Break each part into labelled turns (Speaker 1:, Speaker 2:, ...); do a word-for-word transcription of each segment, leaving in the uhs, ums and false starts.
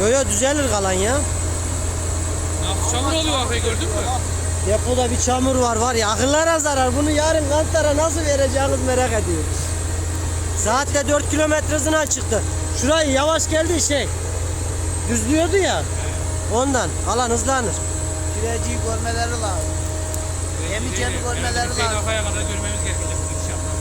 Speaker 1: Yo yo düzelir kalan ya.
Speaker 2: Ya çamur oluyor arkayı gördün mü?
Speaker 1: Depoda bir çamur var var ya, akıllara zarar. Bunu yarın Kantar'a nasıl vereceğiniz merak ediyorum. Saatte dört kilometre hızına çıktı. Şurayı yavaş geldi şey. Düzlüyordu ya. Ondan alan hızlanır.
Speaker 3: Süreciyi görmeleri lazım. Yemeyeceğini görmeleri lazım.
Speaker 2: Kafaya kadar görmemiz gerekecek inşallah.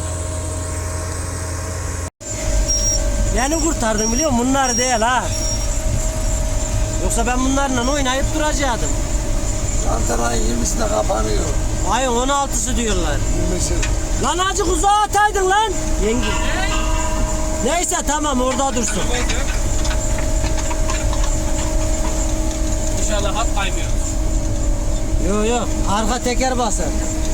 Speaker 1: Beni kurtardın biliyor musun? Bunlar değil ha. Yoksa ben bunlarla oynayıp duracaktım.
Speaker 4: Kantarayın yirmisinde kapanıyor.
Speaker 1: Ayın on altısı diyorlar.
Speaker 4: yirmisi.
Speaker 1: Lan azıcık uzağa ataydın lan. Yenge. Neyse tamam orada dursun.
Speaker 2: İnşallah hat kaymıyor.
Speaker 1: Yo yo arka teker basar.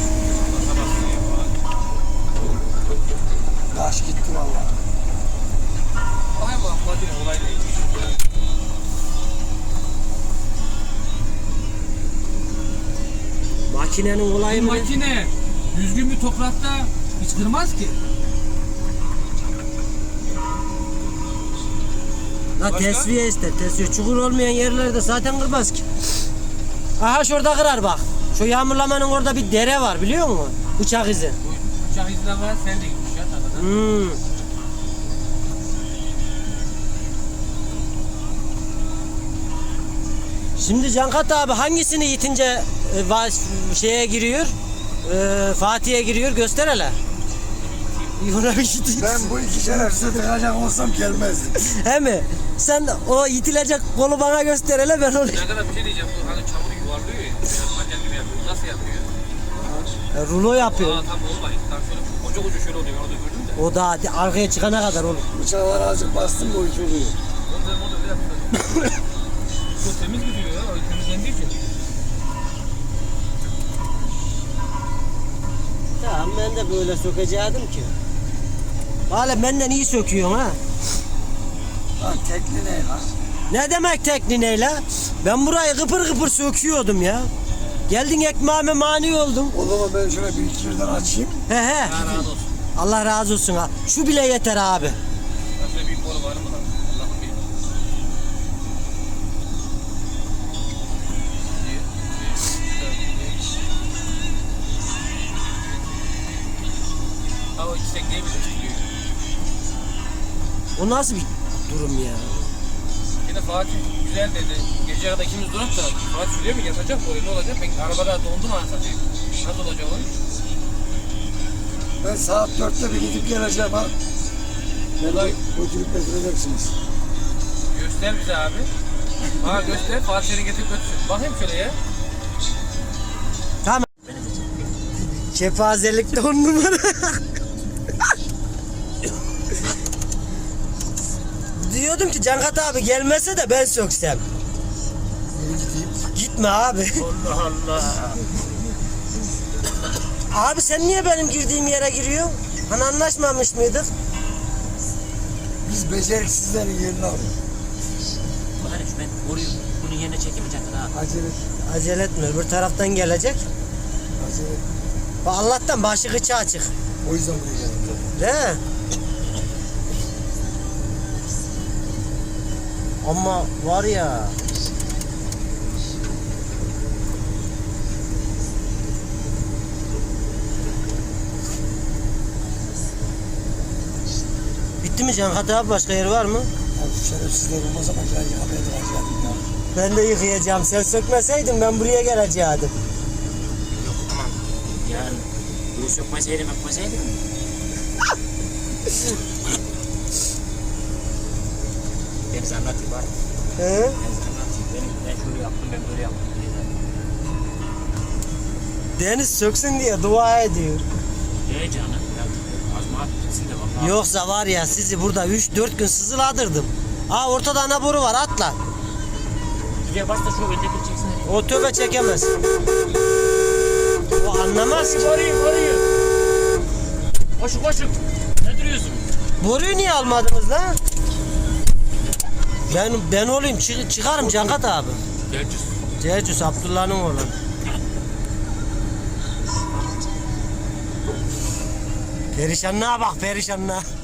Speaker 4: Taş gitti valla.
Speaker 2: Ay bu makine olay değil.
Speaker 1: Makinenin olayı
Speaker 2: Bu
Speaker 1: mı?
Speaker 2: makine düzgün bir toprakta hiç kırmaz ki.
Speaker 1: La
Speaker 2: Başka?
Speaker 1: tesviye ister tesviye. Çukur olmayan yerlerde zaten kırmaz ki. Aha şurada kırar bak. Şu yağmurlamanın orada bir dere var biliyor musun? Bıçak izi.
Speaker 2: Bu uçak izinden var sen de gitmiş ya tarladan.
Speaker 1: Hmm. Şimdi Cankat abi hangisini yitince e, va- şeye giriyor? E, Fatih'e giriyor göster hele. Ona bir şey
Speaker 4: Ben bu iki şerefsize tıkacak olsam gelmezdim.
Speaker 1: He mi? Sen o itilecek kolu bana göster hele ben onu.
Speaker 2: Ne kadar bir şey diyeceğim. Bu hani çamuru yuvarlıyor ya. Biraz manyak gibi yapıyor. Nasıl yapıyor?
Speaker 1: E, rulo yapıyor.
Speaker 2: Aa tam olmayın. Tam şöyle koca koca şöyle oluyor. Orada gördün de.
Speaker 1: O da arkaya çıkana kadar olur.
Speaker 4: Bıçaklar azıcık bastım mı o iş oluyor.
Speaker 2: Orada orada öyle yapıyor. Çok temiz gidiyor ya. O temizlendiği için.
Speaker 1: Tamam ben de böyle sökecektim ki. Valla benden iyi söküyorsun ha.
Speaker 4: Lan tekli ne lan?
Speaker 1: Ne demek tekniğiyle? Ben burayı kıpır kıpır söküyordum ya. Geldin ekmeğime mani oldun.
Speaker 4: O zaman ben şöyle bir iki birden açayım.
Speaker 1: He he.
Speaker 2: Allah razı olsun.
Speaker 1: Allah razı olsun ha. Şu bile yeter abi.
Speaker 2: Başka büyük boru var mı lan? Allah'ım bilir. Ha o iki tekneyi bile çekiyor.
Speaker 1: O nasıl bir durum ya?
Speaker 2: Yine Fatih güzel dedi. Gece kadar ikimiz durup da Fatih şuraya mı yatacak bu ne olacak? Ben arabada dondum anasını satayım. Nasıl olacak o?
Speaker 4: Ben saat dörtte bir gidip geleceğim ha. Beni götürüp getireceksiniz.
Speaker 2: Göster bize abi. Ha göster. Fatih seni getirip götürsün. Bakayım şöyle ya.
Speaker 1: Tamam. Kepazelikte on numara. Diyordum ki Cankat abi gelmese de ben söksem. Gitme abi.
Speaker 2: Allah Allah.
Speaker 1: Abi sen niye benim girdiğim yere giriyorsun? Hani anlaşmamış mıydık?
Speaker 4: Biz beceriksizlerin yerini alıyoruz.
Speaker 5: Bari şu ben boruyu bunun yerine çekemeyeceksin ha.
Speaker 4: Acele et.
Speaker 1: Acele etme öbür taraftan gelecek.
Speaker 4: Acele et.
Speaker 1: Bak Allah'tan başı kıçı açık.
Speaker 4: O yüzden buraya geldim.
Speaker 1: Değil mi? Ama var ya. Bitti mi Cankat abi? Başka yer var mı?
Speaker 4: Ya şu şerefsizler olmaz ama ben yıkamaya tıkacaktım ya.
Speaker 1: Ben de yıkayacağım. Sen sökmeseydin ben buraya gelecektim.
Speaker 5: Yok tamam. Yani bunu sökmeseydim yapmasaydım. Deniz anlatayım bari.
Speaker 1: He?
Speaker 5: Deniz anlatayım. Benim, ben şöyle yaptım ben böyle yaptım diye.
Speaker 1: Deniz söksün diye dua ediyor.
Speaker 5: Ne canım? Ya, azma at gitsin de bak.
Speaker 1: Yoksa var ya sizi burada üç dört gün sızıladırdım. Aa ortada ana boru var atla.
Speaker 5: Gidiyor başta şu öndeki çeksin.
Speaker 1: O tövbe çekemez. O anlamaz ki.
Speaker 5: Koruyu koruyu. Koşun koşun. Ne duruyorsun?
Speaker 1: Boruyu niye almadınız lan? Ben ben olayım çık, çıkarım Cankat abi.
Speaker 5: Geleceğiz.
Speaker 1: Cecus Abdullah'ın oğlu. Perişanlığa bak perişanlığa.